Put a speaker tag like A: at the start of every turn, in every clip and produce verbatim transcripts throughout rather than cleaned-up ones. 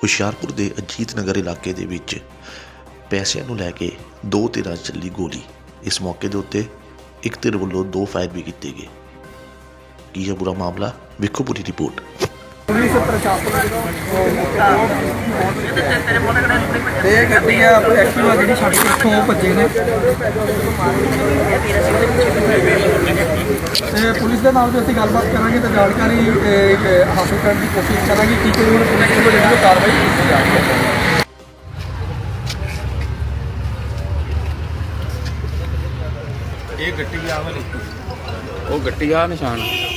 A: ਹੁਸ਼ਿਆਰਪੁਰ ਦੇ ਅਜੀਤ ਨਗਰ ਇਲਾਕੇ ਦੇ ਵਿੱਚ ਪੈਸਿਆਂ ਨੂੰ ਲੈ ਕੇ ਦੋ ਧਿਰਾਂ 'ਚ ਚੱਲੀ ਗੋਲੀ। ਇਸ ਮੌਕੇ ਦੇ ਉੱਤੇ ਇੱਕ ਧਿਰ ਵੱਲੋਂ ਦੋ ਫਾਇਰ ਵੀ ਕੀਤੇ ਗਏ। ਕੀ ਹੈ ਪੂਰਾ ਮਾਮਲਾ, ਵੇਖੋ ਪੂਰੀ ਰਿਪੋਰਟ।
B: ਇਹ ਗੱਡੀ ਆ ਐਕਟਿਵਾ ਜਿਹੜੀ ਛੱਡ ਕੇ ਇੱਥੋਂ ਭੱਜੇ ਨੇ ਤੇ ਪੁਲਿਸ ਦੇ ਨਾਲ ਵੀ ਅਸੀਂ ਗੱਲਬਾਤ ਕਰਾਂਗੇ ਤੇ ਜਾਣਕਾਰੀ ਹਾਸਲ ਕਰਨ ਦੀ ਕੋਸ਼ਿਸ਼ ਕਰਾਂਗੇ ਕਿ ਕੋਈ ਹੁਣ ਪੁਲਿਸ ਵੱਲੋਂ ਜਿਹੜੀ ਕਾਰਵਾਈ ਕੀਤੀ ਜਾ ਰਹੀ ਹੈ।
C: ਇਹ ਗੱਡੀ ਆ ਵਾਲੀ ਉਹ ਗੱਡੀ ਆ ਨਿਸ਼ਾਨ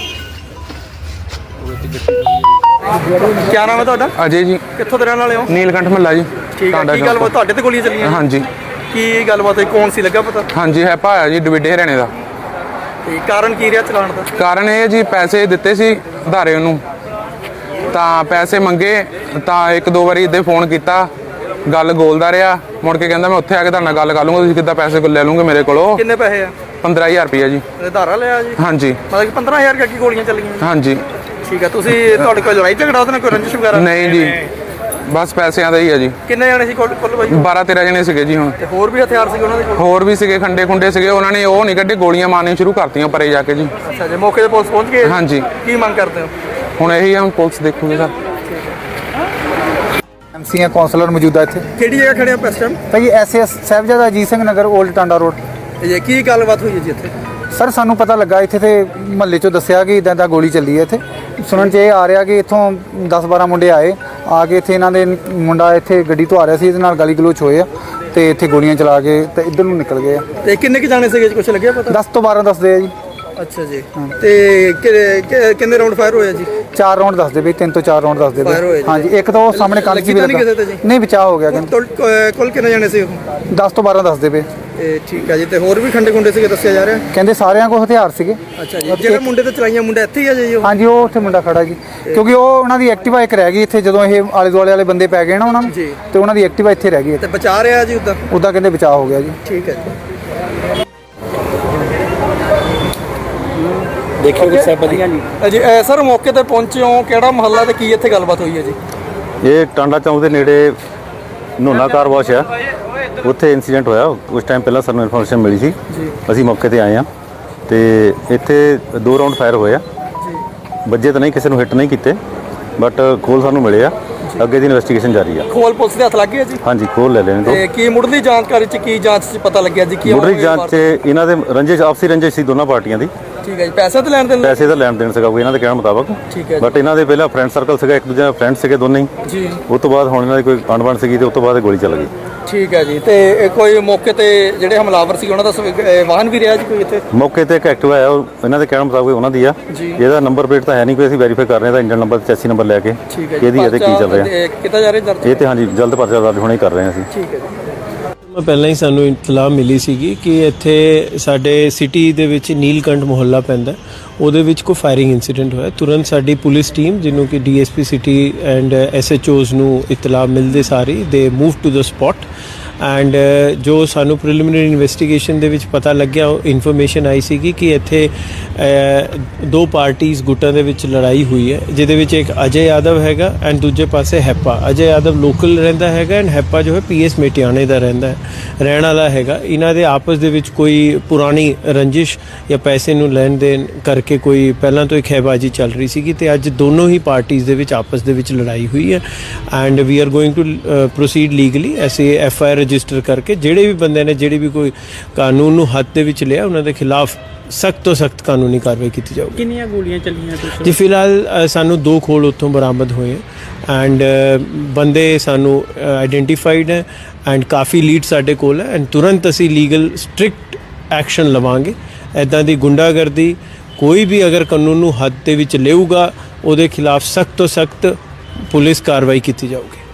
C: ਉਹ ਗੱਡੀ
B: ਕੀ ਨਾਮ ਹੈ ਤੁਹਾਡਾ?
D: ਅਜੇ ਜੀ।
B: ਕਿੱਥੋਂ ਦੇ ਰਹਿਣ ਵਾਲੇ ਹੋ?
D: ਨੀਲਕੰਠ ਮਹੱਲਾ ਜੀ।
B: ਠੀਕ ਹੈ। ਕੀ ਗੱਲਬਾਤ ਤੁਹਾਡੇ ਤੇ ਗੋਲੀਆਂ ਚੱਲੀਆਂ?
D: ਹਾਂਜੀ।
B: ਕੀ ਗੱਲਬਾਤ ਹੈ, ਕੌਣ ਸੀ ਲੱਗਾ ਪਤਾ?
D: ਹਾਂਜੀ ਹੈ ਭਾਇਆ ਜੀ ਡਵਿੱਡੇ ਹਰਿਆਣੇ ਦਾ।
B: ਤੇ ਕਾਰਨ ਕੀ ਰਿਹਾ ਚਲਾਉਣ ਦਾ?
D: ਕਾਰਨ ਇਹ ਜੀ ਪੈਸੇ ਦਿੱਤੇ ਸੀ ਉਧਾਰੇ ਉਹਨੂੰ, ਤਾਂ ਪੈਸੇ ਮੰਗੇ ਤਾਂ ਇੱਕ ਦੋ ਵਾਰੀ ਇੱਦਾਂ ਫੋਨ ਕੀਤਾ, ਗੱਲ ਗੋਲਦਾ ਰਿਹਾ। ਮੁੜ ਕੇ ਕਹਿੰਦਾ ਮੈਂ ਉੱਥੇ ਆ ਕੇ ਤੁਹਾਡੇ ਨਾਲ ਗੱਲ ਕਰ ਲੂੰਗਾ, ਤੁਸੀਂ ਕਿੱਦਾਂ ਪੈਸੇ ਲੈ ਲੂੰਗੇ ਮੇਰੇ ਕੋਲੋਂ।
B: ਕਿੰਨੇ ਪੈਸੇ ਆ? ਪੰਦਰਾਂ
D: ਹਜ਼ਾਰ ਰੁਪਈਆ ਜੀ।
B: ਧਾਰਾ ਲਿਆ ਜੀ?
D: ਹਾਂਜੀ।
B: ਮਤਲਬ ਕਿ ਪੰਦਰਾਂ ਹਜ਼ਾਰ ਕਰਕੇ ਗੋਲੀਆਂ ਚੱਲੀਆਂ?
D: ਹਾਂਜੀ।
B: ਠੀਕ ਹੈ। ਤੁਸੀਂ ਤੁਹਾਡੇ ਕੋਲ ਲੜਾਈ ਝਗੜਾ ਉਹਦੇ ਨਾਲ ਕੋਈ ਰੰਜਿਸ਼ ਵਗੈਰਾ?
D: ਨਹੀਂ ਜੀ, ਬਸ ਪੈਸਿਆਂ ਦਾ ਹੀ ਹੈ ਜੀ।
B: ਕਿੰਨੇ ਜਾਣੇ ਸੀ ਕੁੱਲ ਬਾਈ?
D: ਬਾਰਾਂ ਤੇਰਾਂ ਜਣੇ ਸੀਗੇ ਜੀ। ਹੁਣ
B: ਤੇ ਹੋਰ ਵੀ ਹਥਿਆਰ ਸੀਗੇ ਉਹਨਾਂ ਦੇ ਕੋਲ?
D: ਹੋਰ ਵੀ ਸੀਗੇ, ਖੰਡੇ ਖੁੰਡੇ ਸੀਗੇ। ਉਹਨਾਂ ਨੇ ਉਹ ਨਹੀਂ ਕੱਢੇ, ਗੋਲੀਆਂ ਮਾਰਨੀਆਂ ਸ਼ੁਰੂ ਕਰਤੀਆਂ ਪਰੇ ਜਾ ਕੇ ਜੀ।
B: ਅੱਛਾ ਜੀ। ਮੌਕੇ ਤੇ ਪੁਲਿਸ ਪਹੁੰਚ ਗਈ?
D: ਹਾਂਜੀ।
B: ਕੀ ਮੰਗ ਕਰਦੇ ਹੋ?
D: ਹੁਣ ਇਹੀ ਆ, ਹੁਣ ਪੁਲਿਸ ਦੇਖੂਗੇ ਸਰ।
E: ਐਮਸੀ ਆ ਕੌਂਸਲਰ ਮੌਜੂਦਾ ਇੱਥੇ।
B: ਕਿਹੜੀ ਜਗ੍ਹਾ ਖੜੇ ਆ ਇਸ ਟਾਈਮ?
E: ਭਾਈ SS Sahibzada Ajit Singh Nagar old Tanda road.
B: ਇਹ ਕੀ ਗੱਲਬਾਤ ਹੋਈ ਹੈ ਜੀ ਇੱਥੇ?
E: ਸਰ ਸਾਨੂੰ ਪਤਾ ਲੱਗਾ ਇੱਥੇ ਤੇ ਮਹੱਲੇ 'ਚੋਂ ਦੱਸਿਆ ਕਿ ਇਦਾਂ ਦਾ ਗੋਲੀ ਚੱਲੀ ਹੈ ਇੱਥੇ। ਸੁਣਨ 'ਚ ਇਹ ਆ ਰਿਹਾ ਕਿ ਇੱਥੋਂ ਦਸ ਬਾਰਾਂ ਮੁੰਡੇ ਆਏ, ਆ ਕੇ ਇੱਥੇ ਇਹਨਾਂ ਦੇ ਮੁੰਡਾ ਇੱਥੇ ਗੱਡੀ ਤੋਂ ਆ ਰਿਹਾ ਸੀ, ਇਹਦੇ ਨਾਲ ਗਾਲੀ ਗਲੋਚ ਹੋਏ ਆ ਤੇ ਇੱਥੇ ਗੋਲੀਆਂ ਚਲਾ ਕੇ ਤੇ ਇੱਧਰ ਨੂੰ ਨਿਕਲ ਗਏ ਆ।
B: ਤੇ ਕਿੰਨੇ ਕੁ ਜਾਣੇ ਸੀਗੇ, ਕੁਝ ਲੱਗਿਆ ਪਤਾ?
E: ਦਸ ਤੋਂ ਬਾਰਾਂ ਦੱਸਦੇ ਆ ਜੀ।
B: ਅੱਛਾ ਜੀ। ਤੇ ਕਿੰਨੇ ਰਾਉਂਡ ਫਾਇਰ ਹੋਇਆ ਜੀ?
E: ਚਾਰ ਰਾਉਂਡ ਦੱਸਦੇ ਬਈ, ਤਿੰਨ ਤੋਂ ਚਾਰ ਰਾਉਂਡ ਦੱਸਦੇ ਬਈ। ਹਾਂਜੀ। ਇੱਕ ਤਾਂ ਉਹ ਸਾਹਮਣੇ ਕੰਨ 'ਚ ਵੀ ਲੱਗਾ। ਨਹੀਂ, ਬਚਾਅ ਹੋ ਗਿਆ।
B: ਕੁੱਲ ਕਿੰਨੇ ਜਾਣੇ ਸੀ ਉਹ?
E: ਦਸ ਤੋਂ ਬਾਰਾਂ ਦੱਸਦੇ ਪਏ।
B: ਇਹ ਠੀਕ ਹੈ ਜੀ। ਤੇ ਹੋਰ ਵੀ ਖੰਡੇ ਖੁੰਡੇ ਸੀਗੇ ਦੱਸਿਆ ਜਾ ਰਿਹਾ?
E: ਕਹਿੰਦੇ ਸਾਰਿਆਂ ਕੋਲ ਹਥਿਆਰ ਸੀਗੇ।
B: ਅੱਛਾ ਜੀ। ਜਿਹੜੇ ਮੁੰਡੇ ਤੇ ਚਲਾਈਆਂ ਮੁੰਡਾ ਇੱਥੇ ਹੀ ਆ ਜੀ?
E: ਹਾਂਜੀ, ਉਹ ਉੱਥੇ ਮੁੰਡਾ ਖੜਾ ਜੀ, ਕਿਉਂਕਿ ਉਹ ਉਹਨਾਂ ਦੀ ਐਕਟਿਵਾ ਇੱਕ ਰਹਿ ਗਈ ਇੱਥੇ। ਜਦੋਂ ਇਹ ਆਲੇ ਦੁਆਲੇ ਵਾਲੇ ਬੰਦੇ ਪੈ ਗਏ ਨਾ ਉਹਨਾਂ ਨੂੰ, ਤੇ ਉਹਨਾਂ ਦੀ ਐਕਟਿਵਾ ਇੱਥੇ ਰਹਿ ਗਈ।
B: ਤੇ ਬਚਾ ਰਿਹਾ ਜੀ ਉੱਦਾਂ?
E: ਉੱਦਾਂ ਕਹਿੰਦੇ ਬਚਾਅ ਹੋ ਗਿਆ ਜੀ।
B: ਠੀਕ ਹੈ ਜੀ।
C: ਦੇਖੋ ਕਿ ਸਭ ਵਧੀਆ ਜੀ।
B: ਜੀ ਸਰ, ਮੌਕੇ ਤੇ ਪਹੁੰਚੇ ਹੋ, ਕਿਹੜਾ ਮਹੱਲਾ ਤੇ ਕੀ ਇੱਥੇ ਗੱਲਬਾਤ ਹੋਈ ਹੈ ਜੀ?
F: ਇਹ ਟਾਂਡਾ ਚੌਂਕ ਦੇ ਨੇੜੇ ਨੋਨਾ ਕਾਰ ਵਾਸ਼ ਆ, ਉੱਥੇ ਇਨਸੀਡੈਂਟ ਹੋਇਆ। ਉਸ ਟਾਈਮ ਪਹਿਲਾਂ ਸਾਨੂੰ ਇਨਫੋਰਮੇਸ਼ਨ ਮਿਲੀ ਸੀ, ਅਸੀਂ ਮੌਕੇ ਤੇ ਆਏ ਆ ਤੇ ਇੱਥੇ ਦੋ ਰਾਉਂਡ ਫਾਇਰ ਹੋਏ ਆ। ਵੱਜੇ ਤਾਂ ਨਹੀਂ, ਕਿਸੇ ਨੂੰ ਹਿੱਟ ਨਹੀਂ ਕੀਤੇ, ਬਟ ਖੋਲ ਸਾਨੂੰ ਮਿਲੇ ਆ। ਅੱਗੇ ਦੀ ਇਨਵੈਸਟੀਗੇਸ਼ਨ ਜਾਰੀ ਆ। ਖੋਲ
B: ਪੁਲਿਸ ਦੇ ਹੱਥ ਲੱਗ ਗਏ ਜੀ?
F: ਹਾਂਜੀ, ਖੋਲ ਲੈ ਲੈਣ ਦੋ।
B: ਤੇ ਕੀ ਮੁੱਢਲੀ ਜਾਣਕਾਰੀ ਚ ਕੀ ਜਾਂਚ ਚ ਪਤਾ ਲੱਗਿਆ ਜੀ? ਕੀ
F: ਮੁੱਢਲੀ ਜਾਂਚ 'ਚ ਇਹਨਾਂ ਦੇ ਰੰਜਿਸ਼, ਆਪਸੀ ਰੰਜਿਸ਼ ਸੀ ਦੋਨਾਂ ਪਾਰਟੀਆਂ ਦੀ।
B: ਠੀਕ ਹੈ ਜੀ। ਪੈਸੇ ਤਾਂ ਲੈਣ ਦੇਣ?
F: ਪੈਸੇ ਦਾ ਲੈਣ ਦੇਣ ਸੀਗਾ ਕੋਈ ਇਹਨਾਂ ਦੇ ਕਹਿਣ ਮੁਤਾਬਕ।
B: ਠੀਕ ਹੈ।
F: ਬਟ ਇਹਨਾਂ ਦੇ ਪਹਿਲਾਂ ਫਰੈਂਡ ਸਰਕਲ ਸੀਗਾ, ਇੱਕ ਦੂਜੇ ਦਾ ਫਰੈਂਡ ਸੀਗੇ ਦੋਨੇ ਹੀ
B: ਜੀ।
F: ਉਸ ਤੋਂ ਬਾਅਦ ਹੁਣ ਇਹਨਾਂ ਦੀ ਕੋਈ ਅਣਬਣ ਸੀਗੀ ਤੇ ਉਸ ਤੋਂ ਬਾਅਦ ਗੋਲੀ ਚੱਲ ਗਈ।
B: ਠੀਕ ਹੈ ਜੀ। ਤੇ ਕੋਈ ਮੌਕੇ ਤੇ ਜਿਹੜੇ ਹਮਲਾਵਰ ਸੀ ਉਹਨਾਂ ਦਾ ਵਾਹਨ ਵੀ ਰਿਹਾ ਜੀ ਕੋਈ ਇੱਥੇ? ਮੌਕੇ
F: ਤੇ ਇੱਕ ਐਕਟਿਵਾ ਆਇਆ, ਉਹ ਇਹਨਾਂ ਦੇ ਕਹਿਣ ਮੁਤਾਬਕ ਉਹਨਾਂ ਦੀ ਆ। ਇਹਦਾ ਨੰਬਰ ਪਲੇਟ ਤਾਂ ਹੈ ਨਹੀਂ ਕੋਈ, ਅਸੀਂ ਵੈਰੀਫਾਈ ਕਰ ਰਹੇ ਹਾਂ। ਇੰਜਨ ਨੰਬਰ, ਚੈਸੀ ਨੰਬਰ ਲੈ ਕੇ ਇਹਦੀ ਇਹਦੇ ਕੀ ਚੱਲ ਰਿਹਾ
B: ਕਿੱਦਾਂ ਜਾ ਰਿਹਾ
F: ਇਹ ਤੇ। ਹਾਂਜੀ, ਜਲਦ ਪਰਚਾ ਦਰਜ ਹੁਣੇ ਕਰ ਰਹੇ ਹਾਂ ਅਸੀਂ।
B: ਠੀਕ ਹੈ ਜੀ।
G: ਪਹਿਲਾਂ ਹੀ ਸਾਨੂੰ ਇਤਲਾਹ ਮਿਲੀ ਸੀਗੀ ਕਿ ਇੱਥੇ ਸਾਡੇ ਸਿਟੀ ਦੇ ਵਿੱਚ ਨੀਲਕੰਠ ਮੁਹੱਲਾ ਪੈਂਦਾ, ਉਹਦੇ ਵਿੱਚ ਕੋਈ ਫਾਇਰਿੰਗ ਇਨਸੀਡੈਂਟ ਹੋਇਆ। ਤੁਰੰਤ ਸਾਡੀ ਪੁਲਿਸ ਟੀਮ, ਜਿਹਨੂੰ ਕਿ ਡੀਐਸਪੀ ਸਿਟੀ ਐਂਡ ਐਸਐਚਓਜ਼ ਨੂੰ ਇਤਲਾਹ ਮਿਲਦੇ ਸਾਰੀ ਦੇ move to the spot. And ਜੋ ਸਾਨੂੰ ਪ੍ਰੀਲਿਮਿਨਰੀ ਇਨਵੈਸਟੀਗੇਸ਼ਨ ਦੇ ਵਿੱਚ ਪਤਾ ਲੱਗਿਆ, ਉਹ ਇਨਫੋਰਮੇਸ਼ਨ ਆਈ ਸੀਗੀ ਕਿ ਇੱਥੇ ਦੋ ਪਾਰਟੀਜ਼ ਗੁੱਟਾਂ ਦੇ ਵਿੱਚ ਲੜਾਈ ਹੋਈ ਹੈ, ਜਿਹਦੇ ਵਿੱਚ ਇੱਕ ਅਜੇ ਯਾਦਵ ਹੈਗਾ ਐਂਡ ਦੂਜੇ ਪਾਸੇ ਹੈਪਾ। ਅਜੇ ਯਾਦਵ ਲੋਕਲ ਰਹਿੰਦਾ ਹੈਗਾ ਐਂਡ ਹੈਪਾ ਜੋ ਹੈ ਪੀਐਸ ਮੇਟਿਆਣੇ ਦਾ ਰਹਿੰਦਾ ਹੈ, ਰਹਿਣ ਵਾਲਾ ਹੈਗਾ। ਇਹਨਾਂ ਦੇ ਆਪਸ ਦੇ ਵਿੱਚ ਕੋਈ ਪੁਰਾਣੀ ਰੰਜਿਸ਼ ਜਾਂ ਪੈਸੇ ਨੂੰ ਲੈਣ ਦੇਣ ਕਰਕੇ ਕੋਈ ਪਹਿਲਾਂ ਤੋਂ ਹੀ ਖਹਿਬਾਜ਼ੀ ਚੱਲ ਰਹੀ ਸੀਗੀ, ਤੇ ਅੱਜ ਦੋਨੋਂ ਹੀ ਪਾਰਟੀਜ਼ ਦੇ ਵਿੱਚ ਆਪਸ ਦੇ ਵਿੱਚ ਲੜਾਈ ਹੋਈ ਹੈ। And we are going to proceed legally, ਐਸੇ ਐਫ ਆਈ ਆਰ ਰਜਿਸਟਰ ਕਰਕੇ ਜਿਹੜੇ ਵੀ ਬੰਦੇ ਨੇ ਜਿਹੜੀ ਵੀ ਕੋਈ ਕਾਨੂੰਨ ਨੂੰ ਹੱਥ ਦੇ ਵਿੱਚ ਲਿਆ, ਉਹਨਾਂ ਦੇ ਖਿਲਾਫ ਸਖਤ ਤੋਂ ਸਖਤ ਕਾਨੂੰਨੀ ਕਾਰਵਾਈ ਕੀਤੀ ਜਾਊਗੀ।
H: ਕਿੰਨੀਆਂ ਗੋਲੀਆਂ ਚੱਲੀਆਂ
G: ਜੀ? ਫਿਲਹਾਲ ਸਾਨੂੰ ਦੋ ਖੋਲ ਉੱਥੋਂ ਬਰਾਮਦ ਹੋਏ ਐਂਡ ਬੰਦੇ ਸਾਨੂੰ ਆਈਡੈਂਟੀਫਾਈਡ ਹੈ ਐਂਡ ਕਾਫੀ ਲੀਡ ਸਾਡੇ ਕੋਲ ਹੈ ਐਂਡ ਤੁਰੰਤ ਅਸੀਂ ਲੀਗਲ ਸਟ੍ਰਿਕਟ ਐਕਸ਼ਨ ਲਵਾਂਗੇ। ਇੱਦਾਂ ਦੀ ਗੁੰਡਾਗਰਦੀ ਕੋਈ ਵੀ ਅਗਰ ਕਾਨੂੰਨ ਨੂੰ ਹੱਥ ਦੇ ਵਿੱਚ ਲਏਗਾ, ਉਹਦੇ ਖਿਲਾਫ ਸਖਤ ਤੋਂ ਸਖਤ ਪੁਲਿਸ ਕਾਰਵਾਈ ਕੀਤੀ ਜਾਊਗੀ।